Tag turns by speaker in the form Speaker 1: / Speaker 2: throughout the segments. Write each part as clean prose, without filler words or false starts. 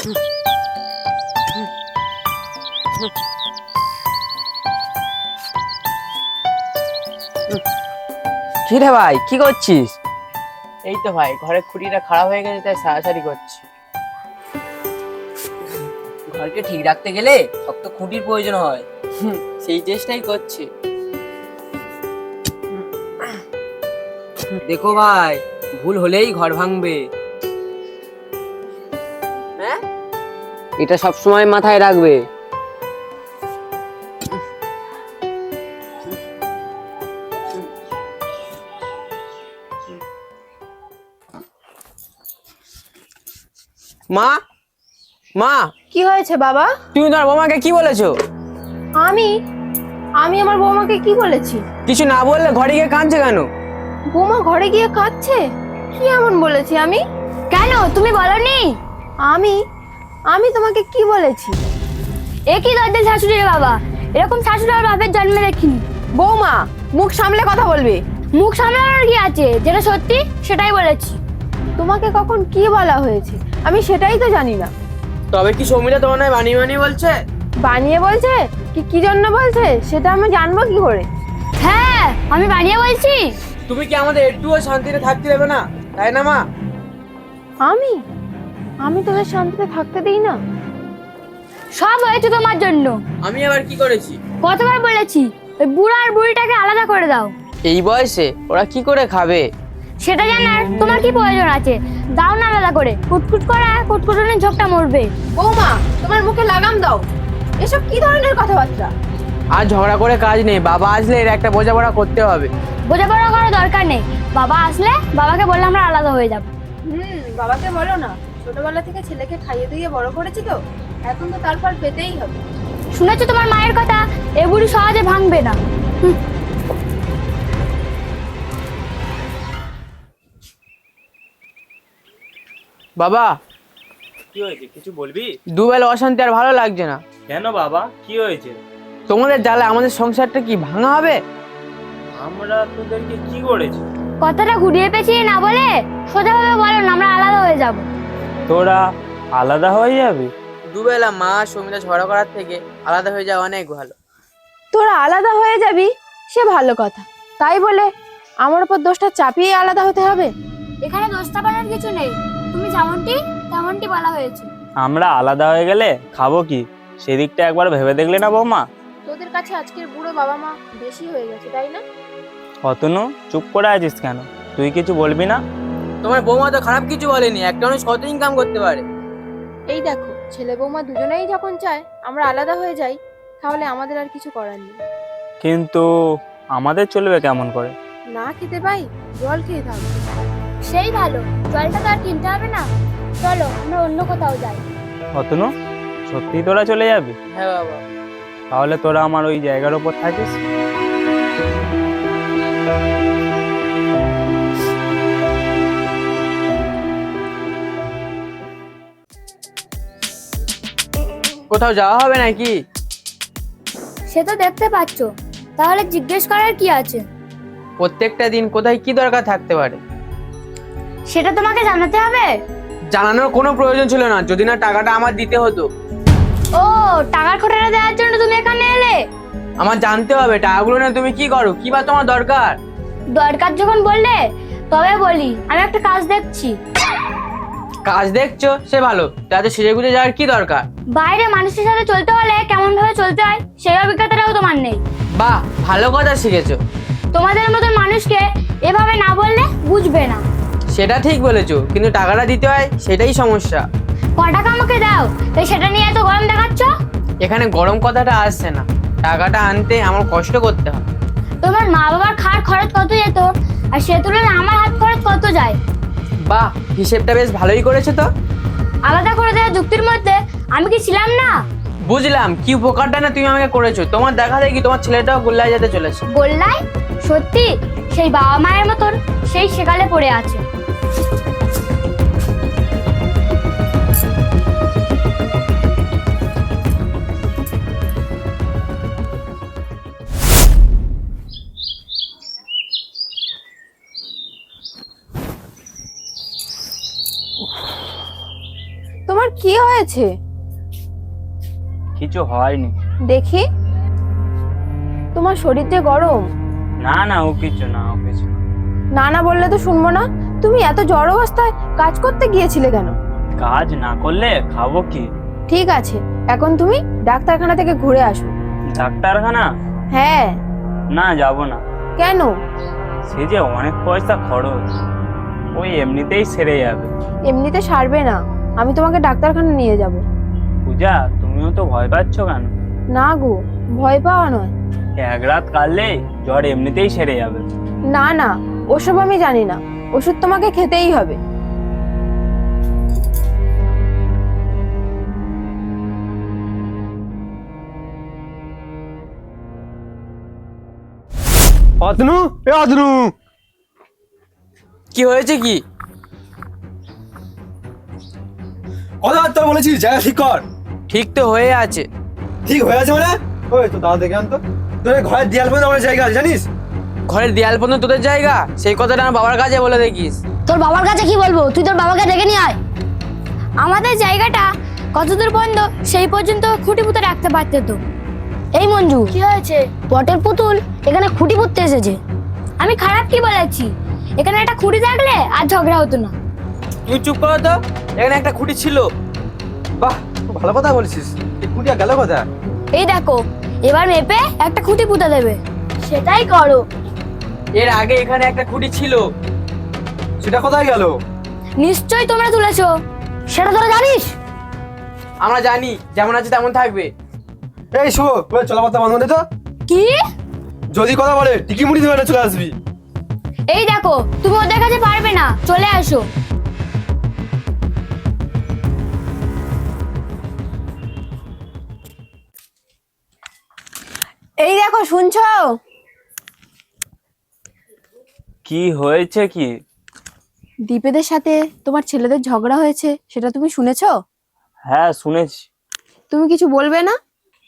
Speaker 1: কি রে ভাই, কি করছিস?
Speaker 2: এই তো ভাই, ঘরের খুঁটিটা খারাপ হয়ে গেছে তাই সারাসারি করছি।
Speaker 1: ঘরকে ঠিক রাখতে গেলে শক্ত খুঁটির প্রয়োজন হয়।
Speaker 2: সেই চেষ্টাই করছি।
Speaker 1: দেখো ভাই, ভুল হলেই ঘর ভাঙবে।
Speaker 2: হ্যাঁ,
Speaker 1: এটা সব সময় মাথায় রাখবে। মা, মা,
Speaker 3: কি হয়েছে বাবা?
Speaker 1: তুমি তোমার বৌমাকে কি বলেছো?
Speaker 3: আমি আমি আমার বৌমাকে কি বলেছি?
Speaker 1: কিছু না বললে ঘরে গিয়ে কাঁদছে কেন?
Speaker 3: বৌমা ঘরে গিয়ে কাঁদছে? কি এমন বলেছি আমি?
Speaker 4: কেন তুমি বলনি?
Speaker 3: আমি আমি তোমাকে কি বলেছি?
Speaker 4: একই দরদের শাশুড়ির বাবা, এরকম শাশুড়ি আর বাপের জন্মে দেখিনি।
Speaker 3: বৌমা, মুখ সামলে কথা বলবে।
Speaker 4: মুখ সামলানোর কি আছে? যেটা সত্যি সেটাই বলেছি।
Speaker 3: তোমাকে কখন কি বলা হয়েছে আমি সেটাই তো জানি না।
Speaker 1: তবে কি সৌমিতা তোমার নয় বানিয়ে বানিয়ে বলছে?
Speaker 3: বানিয়ে বলছে কি জন্য বলছে সেটা আমি জানবো কি করে?
Speaker 4: হ্যাঁ, আমি বানিয়ে বলছি।
Speaker 1: তুমি কি আমাদের একটুও শান্তিতে থাকতে দেবে না, তাই না মা?
Speaker 3: আমি আমি তোদের শান্তিতে থাকতে দিই না?
Speaker 4: সব হয়েছে তোমার জন্য।
Speaker 1: আমি আবার কি করেছি?
Speaker 4: কতবার বলেছি ওই বুড়া আর বুড়িটাকে আলাদা করে দাও।
Speaker 1: এই বয়সে ওরা কি করে খাবে?
Speaker 4: সেটা জানার তোমার কি প্রয়োজন আছে? দাও না আলাদা করে, কুটকুট করা কুটকুটনের ঝোঁকটা মরবে।
Speaker 3: বৌমা, তোমার মুখে লাগাম দাও। এসব কি ধরনের কথাবার্তা?
Speaker 1: আর ঝগড়া করে কাজ নেই, বাবা আসলে এর একটা বোঝাপড়া করতে হবে।
Speaker 4: বোঝাপড়া করার দরকার নেই। বাবা আসলে বাবাকে বললে আমরা আলাদা হয়ে যাব।
Speaker 3: বাবাকে বলো না, ছোটবেলা থেকে ছেলেকে খাইয়ে দিয়ে বড় করেছি তো, এখন তো তার ফল পেতেই হবে।
Speaker 4: শুনেছো তোমার মায়ের কথা? এ বুড়ি সহজে ভাঙবে না।
Speaker 1: বাবা,
Speaker 5: কি হয়েছে? কিছু বলবি?
Speaker 1: দুবেলা অশান্তি আর ভালো লাগছে না।
Speaker 5: কেন বাবা, কি হয়েছে?
Speaker 1: তোমাদের জ্বালা আমাদের সংসারটা কি ভাঙা হবে?
Speaker 5: আমরা তোদেরকে কি করেছি?
Speaker 4: কথাটা ঘুরিয়ে পেঁচিয়ে না বলে সোজাভাবে বলো না, আমরা আলাদা হয়ে যাব।
Speaker 5: তোরা আলাদা হয়ে যাবি?
Speaker 1: দুবেলা মা সৌমিতা ঝগড়া করার থেকে আলাদা হয়ে যাওয়া অনেক ভালো।
Speaker 3: তোরা আলাদা হয়ে যাবি সে ভালো কথা, তাই বলে আমার উপর দোষটা চাপিয়ে আলাদা হতে হবে?
Speaker 4: এখানে দোষ চাপানোর কিছু নেই, তুমি যেমনটি তেমনটি বলা হয়েছে।
Speaker 5: আমরা আলাদা হয়ে গেলে খাবো কি, সেদিকটা একবার ভেবে দেখলে না বৌমা?
Speaker 3: তোদের কাছে আজকের বুড়ো বাবা মা বেশি হয়ে গেছে, তাই না?
Speaker 5: অতনু, চুপ করে আছিস কেন? তুই কিছু বলবি না?
Speaker 1: তোমার বৌমা তো খারাপ কিছু বলেনি, একটা মানুষ কত ইনকাম করতে পারে।
Speaker 3: এই দেখো, ছেলে বৌমা দুজনেই যখন চায় আমরা আলাদা হয়ে যাই, তাহলে আমাদের আর কিছু করার নেই।
Speaker 5: কিন্তু আমাদের চলবে কেমন করে?
Speaker 3: না খেতে পাই, জল খেয়ে থাকবো।
Speaker 4: সেই ভালো, জলটা তো আর কিনতে হবে না। চলো আমরা অন্য কোথাও যাই।
Speaker 5: অতনু, সত্যি তোরা চলে যাবি?
Speaker 1: হ্যাঁ বাবা।
Speaker 5: তাহলে তোরা আমার ওই জায়গার উপর থাকিস।
Speaker 1: কোথাও যাওয়া হবে নাকি?
Speaker 4: সে তো দেখতে পাচ্ছ, তাহলে জিজ্ঞেস করার কি আছে?
Speaker 1: প্রত্যেকটা দিন কোথায় কি দরকার থাকতে পারে?
Speaker 4: সেটা তোমাকে জানাতে হবে?
Speaker 1: জানানোর কোনো প্রয়োজন ছিল না, যদি না টাকাটা আমার দিতে হতো।
Speaker 4: ও, টাকার খোটাটা দেওয়ার জন্য তুমি এখানে এলে?
Speaker 1: আমার জানতে হবে টাকাগুলো না তুমি কি করো, কি বা তোমার দরকার?
Speaker 4: দরকার যখন বললে তবে বলি, আমি একটা কাজ দেখছি।
Speaker 1: কাজ দেখছো, সে ভালো, তাতে সেজে গুজে যাওয়ার কি দরকার?
Speaker 4: বাইরে মানুষের সাথে চলতে হলে কেমন ভাবে চলতে হয় সেই অভিজ্ঞতাটাও তোমার নেই।
Speaker 1: বাহ, ভালো কথা শিখেছো।
Speaker 4: তোমাদের মতন মানুষকে এভাবে না বললে বুঝবে না।
Speaker 1: সেটা ঠিক বলেছো, কিন্তু টাকাটা দিতে হয়, সেটাই সমস্যা।
Speaker 4: ক টাকা আমাকে দাও, তাই সেটা নিয়ে এত গরম দেখাচ্ছ?
Speaker 1: এখানে গরম কথাটা আসছে না, টাকাটা আনতে আমার কষ্ট করতে হয়।
Speaker 4: তোমার মা বাবার খাওয়ার খরচ কত যেত, আর সে তুলনায় আমার হাত খরচ কত যায়?
Speaker 1: বাহ, হিসেবটা বেশ ভালোই করেছো তো।
Speaker 4: আলাদা করে দেওয়ার যুক্তির মধ্যে আমি কি ছিলাম না?
Speaker 1: বুঝলাম কি উপকারটা না তুমি আমাকে করেছো, তোমার দেখা দেখি তোমার ছেলেটাও গোল্লায় যেতে চলেছে।
Speaker 4: গোল্লাই? সত্যি সেই বাবা মায়ের মতন সেই সেকালে পড়ে আছে।
Speaker 3: তোমার কি হয়েছে
Speaker 5: কিছু হয়নি।
Speaker 3: দেখি, তোমার শরীর যে গরম।
Speaker 5: না না, ও কিছু না, ও কিছু না।
Speaker 3: না না বললে তো শুনবো না। তুমি এত জ্বর অবস্থায় কাজ করতে গিয়েছিলে কেন?
Speaker 5: কাজ না করলে খাবো কি?
Speaker 3: ঠিক আছে, এখন তুমি ডাক্তারখানা থেকে ঘুরে আসো।
Speaker 5: ডাক্তারখানা?
Speaker 3: হ্যাঁ।
Speaker 5: না, যাব না।
Speaker 3: কেন?
Speaker 5: সে যে অনেক পয়সা খরচ, ওই এমনিতেই সেরে যাবে।
Speaker 3: এমনিতে সারবে না, আমি তোমাকে ডাক্তারখানা নিয়ে যাব।
Speaker 5: পূজা, তুমিও তো ভয় পাচ্ছ কেন?
Speaker 3: না গো, ভয় পাওয়া নয়।
Speaker 5: এক রাত কাটলেই জ্বর এমনিতেই সেরে যাবে।
Speaker 3: না না, ওসব আমি জানি না, ওষুধ তোমাকে খেতেই হবে।
Speaker 6: অতনু, এ অতনু,
Speaker 1: কি হয়েছে কি?
Speaker 6: কথাবার্তা বলেছিস, জায়গা ঠিক কর।
Speaker 1: ঠিক তো হয়ে আছে।
Speaker 6: ঠিক হয়ে আছে মানে? ওই তো দাদা দেখে আনতো, তোর এই ঘরের দেয়াল পর্যন্ত আমার জায়গা আছে জানিস?
Speaker 1: ঘরের দেয়াল পর্যন্ত তোদের জায়গা? সেই কথাটা আমার বাবার কাছে বলে দেখিস।
Speaker 4: তোর বাবার কাছে কি বলবো? তুই তোর বাবাকে ডেকে নিয়ে আয়। আমাদের জায়গাটা কতদূর পর্যন্ত সেই পর্যন্ত খুঁটি পুঁতে রাখতে পারতে তো। এই মঞ্জু, কি হয়েছে? পটের পুতুল এখানে খুঁটি পুঁততে এসেছে। আমি খারাপ কি বলেছি? এখানে একটা খুঁটি থাকলে আর ঝগড়া হতো না।
Speaker 1: তুই চুপ করো তো, এখানে একটা খুঁটি ছিল।
Speaker 6: বাহ, খুব ভালো কথা বলছিস। এই কুটিয়া গেল কথা?
Speaker 4: এই দেখো, এবার মেপে একটা খুঁটি পুঁতে দেবে। সেটাই করো।
Speaker 1: এর আগে এখানে একটা খুঁটি ছিল।
Speaker 6: সেটা কোথায় গেল?
Speaker 4: নিশ্চয়ই তোমরা তুলেছো। সেটা তোরা জানিস?
Speaker 1: আমরা জানি, যেমন আছে তেমন থাকবে।
Speaker 6: এই শুভ, ওই চলাবার্তা বন্ধ করে তো।
Speaker 4: কি?
Speaker 6: যদি কথা বলে টিকি মুড়ি ধরে চলে আসবি।
Speaker 4: এই দেখো, তুমি ওদের কাছে পারবে না, চলে আসো।
Speaker 3: এই দেখো, শুনছো?
Speaker 5: কি হয়েছে কি?
Speaker 3: দীপেদের সাথে তোমার ছেলেদের ঝগড়া হয়েছে, সেটা তুমি শুনেছো?
Speaker 5: হ্যাঁ, শুনেছি।
Speaker 3: তুমি কিছু বলবে না?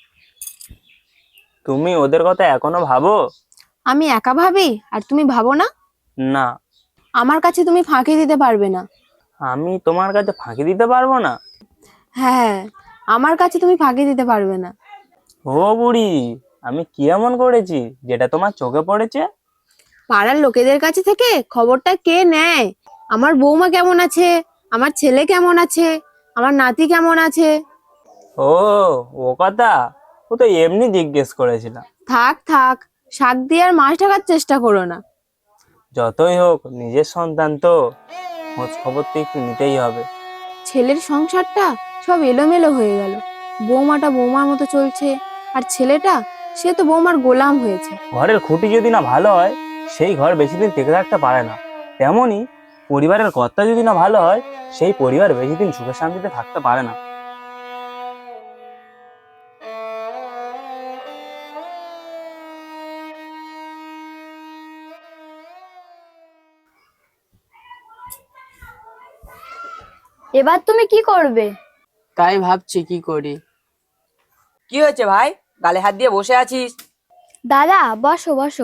Speaker 5: তুমি ওদের কথা এখনো ভাবো?
Speaker 3: আমি একা ভাবি আর তুমি ভাবো না?
Speaker 5: না।
Speaker 3: আমার কাছে তুমি ফাঁকি দিতে পারবে না।
Speaker 5: আমি তোমার কাছে ফাঁকি দিতে পারবো না?
Speaker 3: হ্যাঁ, আমার কাছে তুমি ফাঁকি দিতে পারবে না।
Speaker 5: ও বুড়ি, আমি কি এমন করেছি যেটা তোমার চোখে পড়েছে?
Speaker 3: পাড়ার লোকেদের কাছে থেকে খবরটা কে নেয়? আমার বৌমা কেমন আছে, আমার ছেলে কেমন আছে, আমার নাতি কেমন আছে।
Speaker 5: ও, ও কথা? ও তো এমনি জিজ্ঞেস করেছিলাম।
Speaker 3: থাক থাক, শাক দিয়ে আর মাছ ঢাকার চেষ্টা করো না।
Speaker 5: যতই হোক নিজের সন্তান তো, খোঁজ খবর তো একটু নিতেই হবে।
Speaker 3: ছেলের সংসারটা সব এলোমেলো হয়ে গেল। বৌমাটা বৌমার মতো চলছে, আর ছেলেটা সে তো বৌমার গোলাম হয়েছে।
Speaker 5: ঘরের খুঁটি যদি না ভালো হয়, সেই ঘর বেশি দিন টিকে থাকতে পারে না। তেমনি পরিবারের কর্তা যদি না ভালো হয়, সেই পরিবার বেশি দিন সুখে শান্তিতে থাকতে পারে না।
Speaker 4: এবার তুমি কি করবে?
Speaker 2: তাই ভাবছি কি করি। কি হয়েছে ভাই, গালে হাত দিয়ে বসে আছিস?
Speaker 4: দাদা, বসো বসো।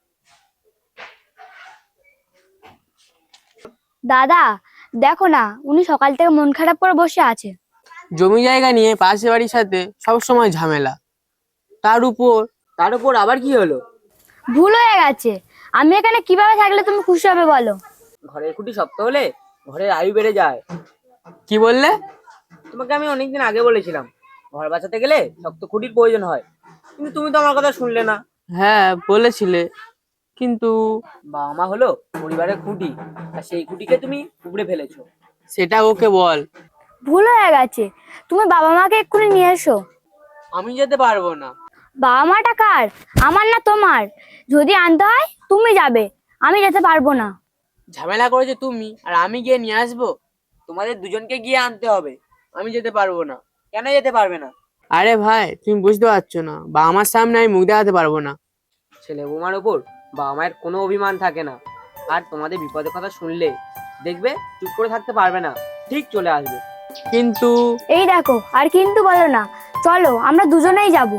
Speaker 4: দাদা, দেখো না, উনি সকাল থেকে মন খারাপ করে বসে আছে।
Speaker 1: জমি জায়গা নিয়ে পাশের বাড়ির সাথে সব সময় ঝামেলা। তার উপর আবার কি হলো?
Speaker 4: ভুল হয়ে গেছে। আমি এখানে কিভাবে থাকলে তুমি খুশি হবে বলো?
Speaker 2: ঘরের খুঁটি শক্ত হলে ঘরের আয়ু বেড়ে যায়।
Speaker 1: কি বললে?
Speaker 2: তোমাকে আমি অনেকদিন আগে বলেছিলাম, ঘর বাঁচাতে গেলে শক্ত খুঁটির প্রয়োজন হয়, কিন্তু তুমি তো আমার কথা শুনলে না।
Speaker 1: হ্যাঁ বলেছিলে, কিন্তু
Speaker 2: বাবা মা হলো পরিবারের খুঁটি, আর সেই খুঁটিকে তুমি উপড়ে ফেলেছো।
Speaker 1: সেটা ওকে বল।
Speaker 4: ভুল হয়ে গেছে, তুমি বাবা মাকে এক্ষুনি নিয়ে এসো।
Speaker 1: আমি যেতে পারবো না।
Speaker 4: বাবা মাটা কার? আমার না তোমার? যদি আনতে হয় তুমি যাবে, আমি যেতে পারবো না।
Speaker 1: ঝামেলা করেছে তুমি, আর আমি গিয়ে নিয়ে আসবো?
Speaker 2: তোমাদের দুজনকে গিয়ে আনতে হবে।
Speaker 1: আমি যেতে পারবো না।
Speaker 2: কেন যেতে পারবে না?
Speaker 1: আরে ভাই, তুমি বুঝতে পারছো না, বা আমার সামনে আমি মুখ দেখাতে পারবো না।
Speaker 2: ছেলে বৌমার ওপর বাবা মায়ের কোনো অভিমান থাকে না, আর তোমাদের বিপদের কথা শুনলে দেখবে চুপ করে থাকতে পারবে না, ঠিক চলে আসবে।
Speaker 1: কিন্তু
Speaker 4: এই দেখো, আর কিন্তু বলো না, চলো আমরা দুজনেই যাব।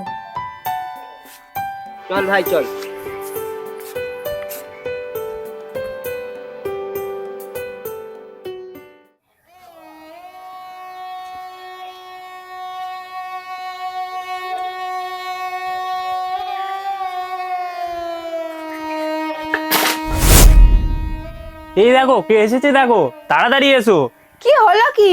Speaker 2: চল ভাই চল।
Speaker 5: এই দেখো কে এসেছে, দেখো তাড়াতাড়ি এসো।
Speaker 3: কি হলো কি?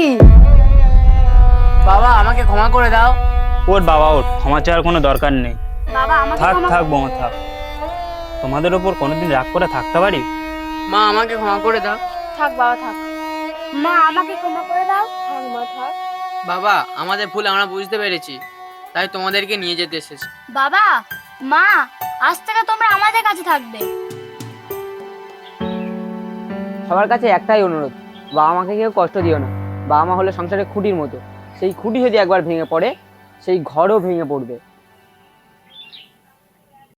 Speaker 1: বাবা আমাকে ক্ষমা করে দাও।
Speaker 5: ওর বাবা ওর ক্ষমা চাওয়ার কোনো দরকার নেই।
Speaker 4: বাবা আমাকে
Speaker 5: থাক
Speaker 4: ক্ষমা
Speaker 5: থাক বৌমা থাক। তোমাদের ওপর কোনোদিন রাগ করে থাকতে পারি?
Speaker 1: মা আমাকে ক্ষমা করে দাও।
Speaker 3: থাক বাবা থাক।
Speaker 4: মা আমাকে ক্ষমা করে দাও।
Speaker 3: থাক মা থাক।
Speaker 1: বাবা আমাদের ভুল আমরা বুঝতে পেরেছি, তাই তোমাদেরকে নিয়ে যেতে এসেছি।
Speaker 4: বাবা মা আজ থেকে তোমরা আমাদের কাছে থাকবে।
Speaker 2: সবার কাছে একটাই অনুরোধ, বাবা মাকে কেউ কষ্ট দিও না। বাবা মা হলো সংসারের খুঁটির মতো, সেই খুঁটি যদি একবার ভেঙে পড়ে সেই ঘরও ভেঙে পড়বে।